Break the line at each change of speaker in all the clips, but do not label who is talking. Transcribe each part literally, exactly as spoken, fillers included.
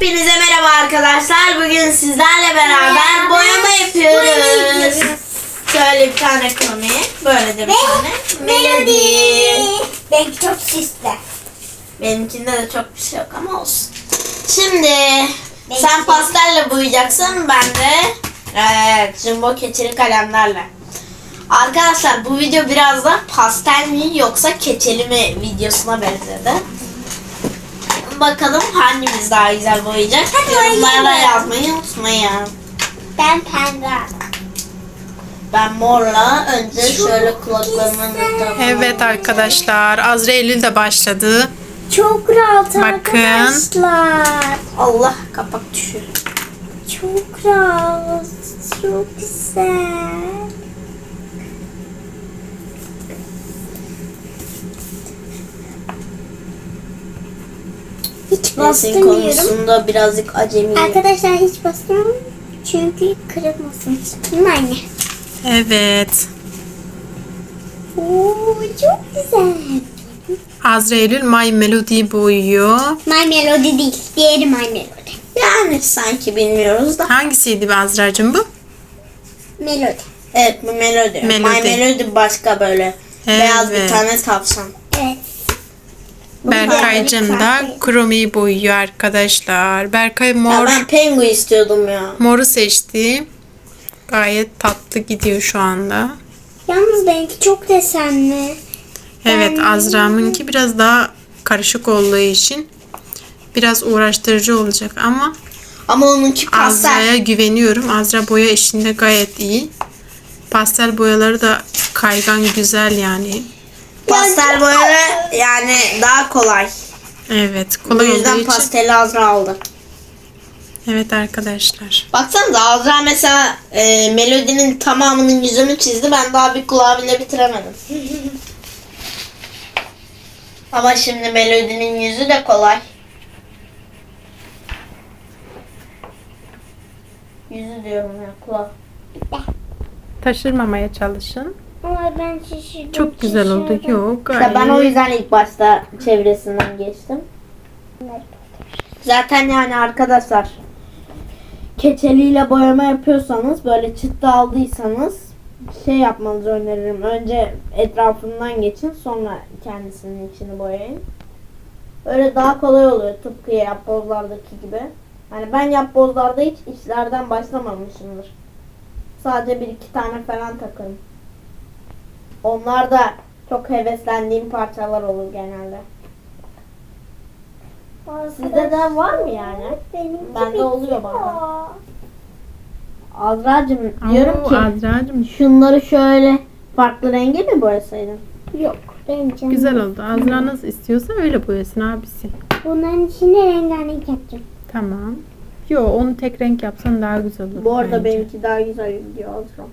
Hepinize merhaba arkadaşlar. Bugün sizlerle beraber boyama yapıyoruz. Şöyle bir tane kromi, böyle de bir tane melodi.
Benimki çok süslü.
Benimkinde de çok bir şey yok ama olsun. Şimdi sen pastelle boyayacaksın, ben de evet, jumbo keçeli kalemlerle. Arkadaşlar bu video biraz da pastel mi yoksa keçeli mi videosuna benzedi. Bakalım hangimiz daha güzel boyayacak. Yorumlara yazmayı unutmayın.
Ben pembe.
Ben morla önce şöyle kulaklarımın etrafına.
Evet arkadaşlar, Azra Eylül de başladı.
Çok rahat
Bakın.
arkadaşlar.
Allah, kapak düşüyor.
Çok rahat. Çok güzel. Hiç
Resim
bastırmıyorum.
konusunda birazcık acemiyim.
Arkadaşlar hiç bastırmıyorum. Çünkü kırılmasın. Değil mi anne?
Evet.
Oo, çok güzel.
Azra Eylül My Melody'yi boyuyor.
My Melody değil. Diğeri My Melody.
Yani sanki bilmiyoruz da.
Hangisiydi be Azra'cığım bu?
Melody.
Evet, bu melodi.
Melodi.
My Melody başka böyle.
Evet.
Beyaz bir tane tavşan.
Evet.
Berkay'cığım da Chrome'yi boyuyor arkadaşlar. Berkay
Ya
mor,
ben pengu istiyordum ya.
moru seçti. Gayet tatlı gidiyor şu anda.
Yalnız benimki çok desenli.
Evet, Azra'mınki biraz daha karışık olduğu için biraz uğraştırıcı olacak ama
Ama onunki pastel.
Azra'ya güveniyorum. Azra boya işinde gayet iyi. Pastel boyaları da kaygan, güzel yani.
Pastel boyaları yani daha kolay.
Evet,
O
kolay olduğu
yüzden
için.
pasteli Azra aldı.
Evet arkadaşlar.
Baksanıza Azra mesela e, melodinin tamamının yüzünü çizdi. Ben daha bir kulağı bile bitiremedim. Ama şimdi melodinin yüzü de kolay. Yüzü diyorum ya, kulağı.
Taşırmamaya çalışın.
Ama ben şişirdim.
Çok güzel oldu. Yok,
İşte
gayet.
ben o yüzden ilk başta çevresinden geçtim. Zaten yani arkadaşlar, keçeliyle boyama yapıyorsanız, böyle çıktı aldıysanız şey yapmanızı öneririm. Önce etrafından geçin, sonra kendisinin içini boyayın. Öyle daha kolay oluyor, tıpkı yapbozlardaki gibi. Hani ben yapbozlarda hiç işlerden başlamamışımdır. Sadece bir iki tane falan takın. Onlar da çok heveslendiğim parçalar olur genelde. Sizde de var mı yani?
Benimki
Bende oluyor
bitiyor.
bazen. Azra'cığım diyorum
Oo,
ki
Azra'cığım
şunları şöyle farklı renge mi boyasaydın?
Yok. Benim canım.
güzel oldu. Azra nasıl istiyorsa öyle boyasın abisi.
Bunların içine rengarenk yapacağım.
Tamam. Yo, onu tek renk yapsan daha güzel olur.
Bu arada
bence.
benimki daha güzel gidiyor Azra.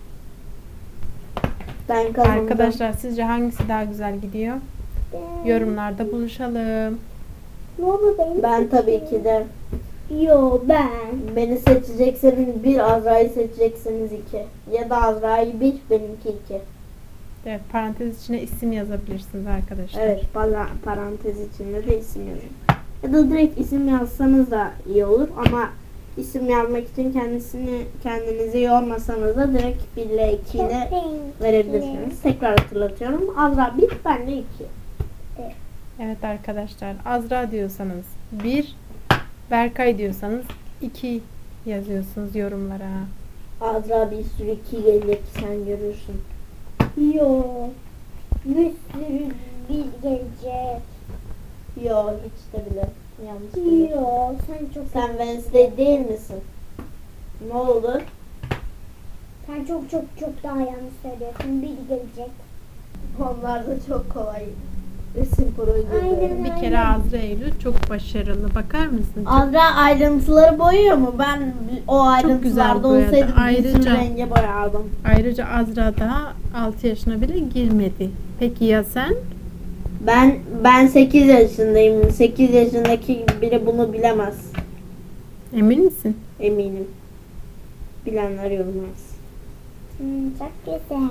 Ben kazandım.
Arkadaşlar sizce hangisi daha güzel gidiyor? Yorumlarda buluşalım.
Ne oldu benim?
Ben tabii ki de.
Yo ben.
Beni seçecekseniz bir, Azra'yı seçecekseniz iki. Ya da Azra'yı bir, benimki iki.
Evet, parantez içine isim yazabilirsiniz arkadaşlar.
Evet, para- parantez içinde de isim yazın. Ya da direkt isim yazsanız da iyi olur ama isim yazmak için kendisini kendinizi yormasanız da direkt bir ile iki ile verebilirsiniz. Tekrar hatırlatıyorum. Azra bir, ben de iki.
Evet arkadaşlar, Azra diyorsanız bir, Berkay diyorsanız iki yazıyorsunuz yorumlara.
Azra bir sürü iki gelecek, sen görürsün.
Yo. Bir sürü bir gelecek.
Yo, hiç de bile yanlış değil.
Yo sen çok
Sen Wednesday değil misin? Ne oldu?
sen çok çok çok daha yanlış söylüyorsun. Bir gelecek.
Onlar da çok kolay. Resim projeleri.
Aynen.
Bir kere Azra Eylül çok başarılı. Bakar mısın?
Azra ayrıntıları boyuyor mu? Ben o ayrıntılarda
güzel boyadı.
olsaydı bir
Ayrıca-
sürü renge boyardım.
Ayrıca Azra daha altı yaşına bile girmedi. Peki ya sen?
Ben ben sekiz yaşındayım. sekiz yaşındaki biri bunu bilemez.
Emin misin?
Eminim. Bilenler yorumlarsın.
Hmm, çok güzel.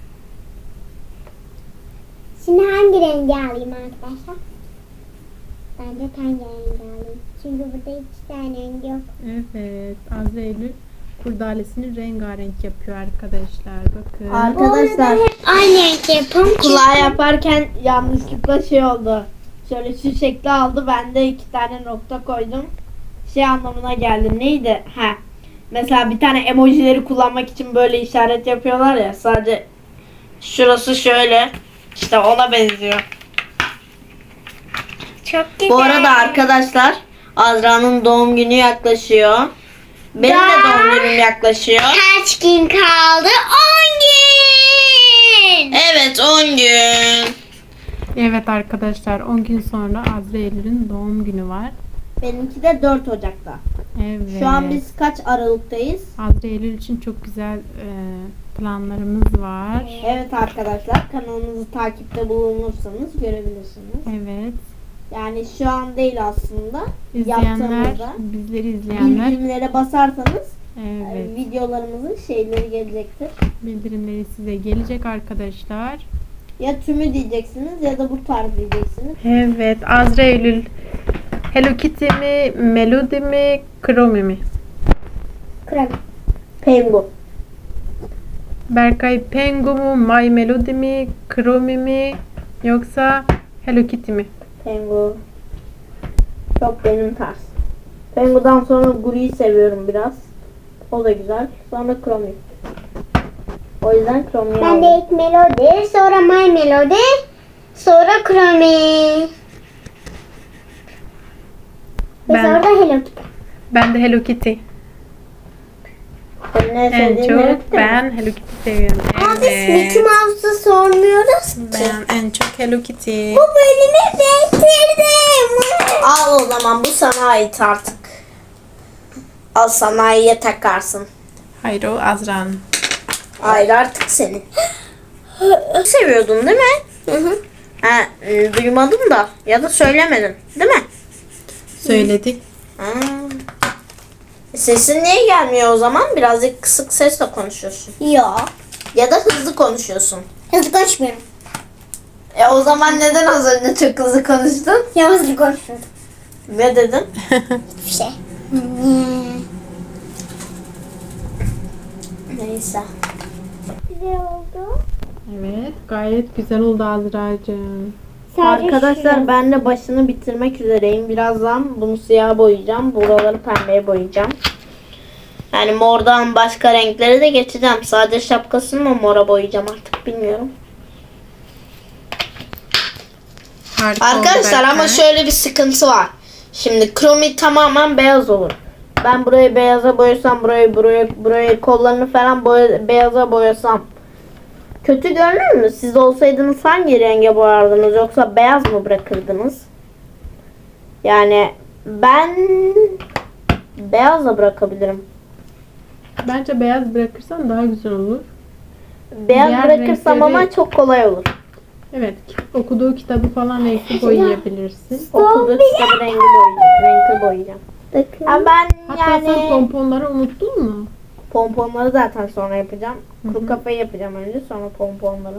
Şimdi hangi rengi alayım arkadaşlar? Ben de ten rengi alayım. Çünkü burada iki tane renk yok.
Evet. Azra Eylül kurdalesini rengarenk yapıyor arkadaşlar. Bakın.
Arkadaşlar
hep aynı renk yapın.
kulağı yaparken yanlışlıkla şey oldu. Şöyle şu şekli aldı. Ben de iki tane nokta koydum. Şey anlamına geldi. Neydi? Ha. Mesela bir tane emojileri kullanmak için böyle işaret yapıyorlar ya. Sadece şurası şöyle. İşte ona benziyor.
Çok güzel.
Bu arada arkadaşlar Azra'nın doğum günü yaklaşıyor. Benim de
Daha-
doğum günüm yaklaşıyor.
Kaç gün kaldı? on gün.
Evet on gün.
Evet arkadaşlar on gün sonra Azra Eylül'ün doğum günü var.
Benimki de dört Ocak'ta.
Evet.
Şu an biz kaç Aralık'tayız?
Azra Eylül için çok güzel e, planlarımız var.
Evet arkadaşlar kanalımızı takipte bulunursanız görebilirsiniz.
Evet.
Yani şu an değil aslında.
İzleyenler,
Yaptığımızda
bizleri izleyenler
bildirimlere basarsanız
evet,
e, videolarımızın şeyleri gelecektir.
bildirimleri size gelecek arkadaşlar.
Ya tümü diyeceksiniz ya da bu tarz diyeceksiniz.
Evet, Azra Eylül Hello Kitty mi, Melody mi, Chromie mi?
Krem.
Pengu.
Berkay Pengu mu, My Melody mi, Chromie mi yoksa Hello Kitty mi?
Pengu. Çok benim tarz. Pengu'dan sonra Guru'yu seviyorum biraz. O da güzel. Sonra Chromie. O yüzden Chromie'yi
Ben de
aldım.
ilk Melody, sonra My Melody, sonra Chromie. Ve
Ben-
sonra da Hello Kitty.
Ben de Hello Kitty.
Senin en
En
sevdiğin Hello
çok
Kitty mi?
ben Hello Kitty seviyorum.
Ama biz Mickey
Evet.
Mouse'u sormuyoruz ki.
Ben en çok Hello Kitty.
Bu bölümü bitirdim.
Al o zaman bu sana ait artık. Al sanayiye takarsın.
Hayır o Azra'nın.
Hayır artık senin. Seviyordun değil mi?
Hı hı.
Ha, e, duymadım da ya da söylemedin değil mi?
Söyledik.
Ha. E, Sesin niye gelmiyor o zaman? Birazcık kısık sesle konuşuyorsun.
Yok.
Ya da hızlı konuşuyorsun.
Hızlı konuşmuyorum.
E o zaman neden az önce çok hızlı konuştun?
Ya hızlı konuşuyorum.
Ne dedin?
Bir şey.
Neyse.
Güzel oldu.
Evet, gayet güzel oldu Azra'cığım.
Arkadaşlar ben de başını bitirmek üzereyim. Birazdan bunu siyah boyayacağım. Buraları pembeye boyayacağım. Yani mordan başka renklere de geçeceğim. Sadece şapkasını mı mora boyayacağım artık bilmiyorum.
Harika oldu
Arkadaşlar ama
Berkay.
şöyle bir sıkıntı var. Şimdi Chromie tamamen beyaz olur. Ben burayı beyaza boyasam, burayı burayı burayı kollarını falan boya, beyaza boyasam kötü görünür mü? Siz olsaydınız hangi renge boyardınız yoksa beyaz mı bırakırdınız? Yani ben beyazla bırakabilirim.
Bence beyaz bırakırsan daha güzel olur.
Beyaz
Diğer
bırakırsam
renkleri-
ama çok kolay olur.
Evet, okuduğu kitabı falan renkli boyayabilirsin.
Okuduğu kitabı rengi boyayacağım. Renkli boyayacağım.
Bakın.
Ama ben
Hatta sen
yani
pomponları unuttun mu?
pomponları zaten sonra yapacağım.
Hı hı.
Kuru kafayı yapacağım önce sonra pomponları.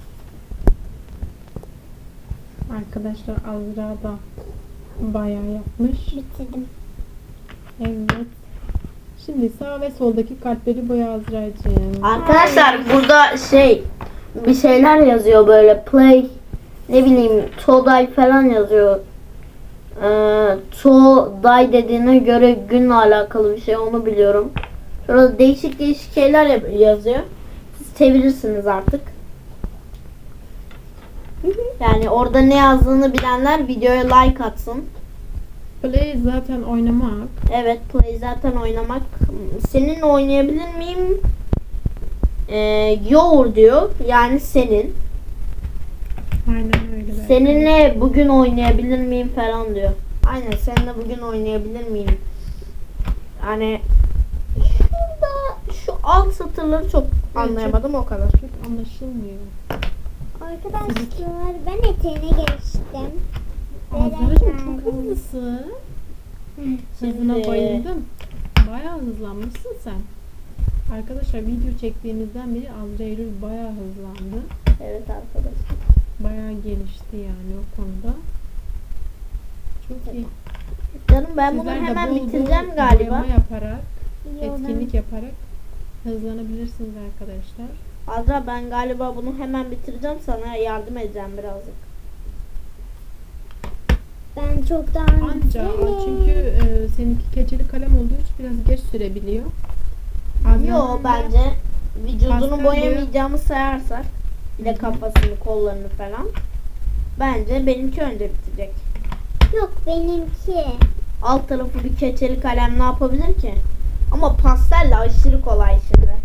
Arkadaşlar Azra da bayağı yapmış.
Bitirdim.
Evet. Şimdi sağ ve soldaki kalpleri boya Azra'cığım.
Arkadaşlar burada şey bir şeyler yazıyor böyle play ne bileyim Today falan yazıyor. Ee, Today dediğine göre günle alakalı bir şey onu biliyorum. Şurada değişik değişik şeyler yap- yazıyor. Siz çevirirsiniz artık. Yani orada ne yazdığını bilenler videoya like atsın.
Play zaten oynamak.
Evet play zaten oynamak. Senin oynayabilir miyim? Ee, your diyor. Yani senin.
Aynen öyle. Berkay.
Seninle bugün oynayabilir miyim falan diyor. Aynen seninle bugün oynayabilir miyim? Hani şurada şu alt satırları çok anlayamadım o kadar.
Çok anlaşılmıyor.
Arkadaşlar ben eteğine geçtim.
Azra'cığım çok hızlısın. Hızına
Şimdi-
bayıldım. Bayağı hızlanmışsın sen. Arkadaşlar video çektiğimizden beri Azra Eylül bayağı hızlandı.
Evet arkadaşlar.
Bayağı gelişti yani o konuda. Çok iyi.
Canım ben bunu
Sizler de
hemen
bol bol
bitireceğim galiba.
boyama yaparak,
Yiyorum.
etkinlik yaparak hızlanabilirsiniz arkadaşlar.
Azra ben galiba bunu hemen bitireceğim, sana yardım edeceğim birazcık.
Ben çok daha
Anca o çünkü e, seninki keçeli kalem olduğu için biraz geç sürebiliyor. Azra'nın
Yo
da
bence vücudunu
pastel
boyamayacağımı sayarsak, bir de kafasını, kollarını falan. Bence benimki önce bitecek.
Yok benimki.
Alt tarafı bir keçeli kalem ne yapabilir ki? Ama pastelle aşırı kolay şimdi.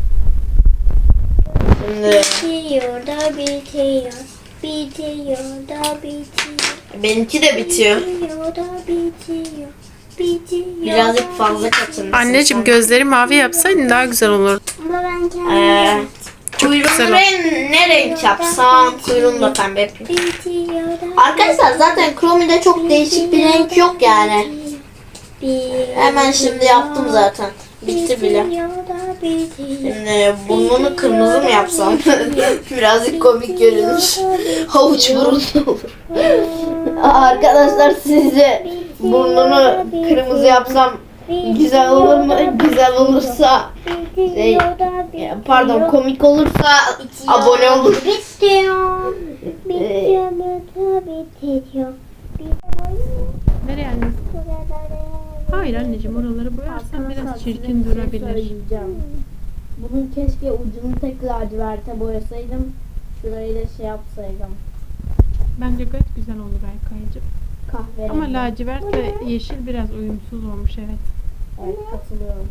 Şimdi
Bitiyor da bitiyor. Bitiyor da bitiyor.
benimki de bitiyor.
Bitiyor da bitiyor. Bitiyor.
Birazcık fazla katılmış.
Anneciğim gözleri mavi yapsaydın daha güzel olurdu.
Ama ben kendim
Ee, kuyruğunu
güzel oldu.
ren- ne renk yapsam kuyruğunu da pembe yapayım.
bitiyor da
Arkadaşlar zaten Chrome'de çok değişik bir renk yok yani. Hemen şimdi yaptım zaten. Bitti bile.
Bitiyor da bitiyor.
Şimdi burnunu kırmızı mı yapsam? Birazcık komik görünür. Havuç burunlu olur. Arkadaşlar sizce burnunu kırmızı yapsam güzel olur mu? Güzel olursa şey, pardon komik olursa abone olun.
Bitiyor. Bitiyor da bitiyor.
Nereye anne? Hayır anneciğim oraları boyarsan biraz çirkin durabilir.
Bunun keşke ucunu tek laciverte boyasaydım. Şurayı da şey yapsaydım.
Bence gayet güzel oldu Berkay'cığım.
Kahverengi.
Ama lacivert ve yeşil biraz uyumsuz olmuş evet.
Evet, katılıyorum.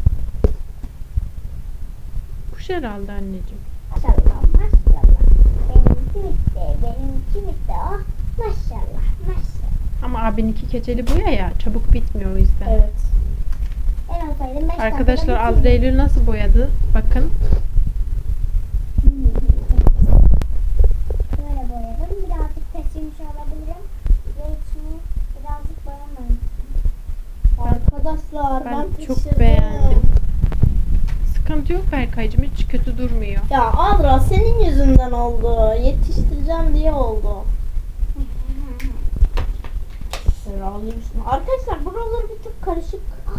Kuş herhalde anneciğim.
Maşallah maşallah. Benimki bitti. Benimki bitti. Oh maşallah maşallah.
Ama abininki keçeli boya ya çabuk bitmiyor o yüzden.
Evet.
Ben olsaydım beş
Arkadaşlar
dakikada
Azra Eylül nasıl boyadı? Bakın.
böyle boyadım. Birazcık kesilmiş olabilirim. Ve içini birazcık boyamadım.
Arkadaşlar ben,
Ben çok
pişirdim.
beğendim. Sıkıntı yok Berkay'cığım hiç kötü durmuyor.
Ya Adra senin yüzünden oldu. Yetiştireceğim diye oldu. Seralıymışsın. Arkadaşlar buralar bir tık karışık.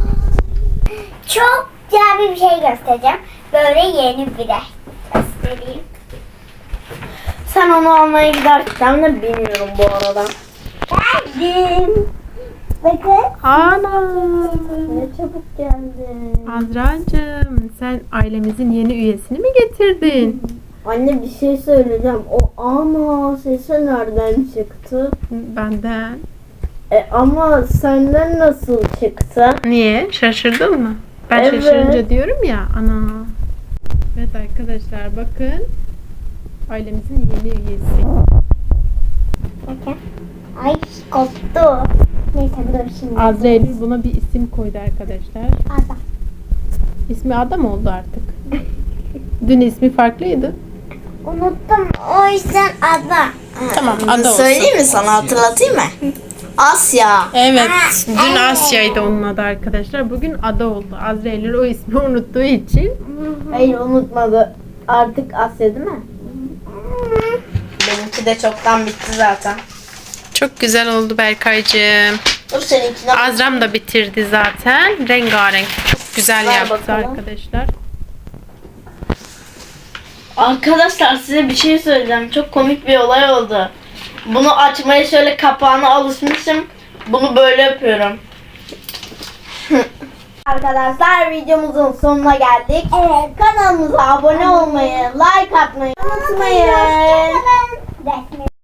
Çok güzel bir şey göstereceğim. Böyle yeni bir de göstereyim.
Sen onu almaya giderken de bilmiyorum bu arada.
Geldim. Bakın.
Ana!
Ne çabuk geldin.
Azra'cığım sen ailemizin yeni üyesini mi getirdin?
Anne bir şey söyleyeceğim. O ana sesi nereden çıktı?
Benden.
E, ama senden nasıl çıktı?
Niye? Şaşırdın mı? Ben
Evet.
şaşırınca diyorum ya ana. Evet arkadaşlar bakın. Ailemizin yeni üyesi.
Bakın. Ay koptu. Neyse dur şimdi.
Azra Eylül buna bir isim koydu arkadaşlar.
Ada.
İsmi Ada mı oldu artık? Dün ismi farklıydı.
Unuttum. O yüzden Ada.
Tamam Ada olsun.
Söyleyeyim mi sana, hatırlatayım mı? Asya.
Evet. Dün Asya'ydı onun adı arkadaşlar. Bugün Ada oldu. Azra Eylül o ismi unuttuğu için.
Hayır unutmadı. Artık Asya değil mi? Benimki de çoktan bitti zaten.
Çok güzel oldu Berkay'cığım.
Dur seninkine bak.
Azram da bitirdi zaten. Rengarenk. Çok güzel
Ver
yaptı
bakalım.
arkadaşlar.
Arkadaşlar size bir şey söyleyeceğim. Çok komik bir olay oldu. Bunu açmaya şöyle kapağına alışmışım. Bunu böyle yapıyorum. Arkadaşlar videomuzun sonuna geldik.
Evet.
Kanalımıza abone olmayı, like atmayı unutmayın.
Hoşçakalın. Resmi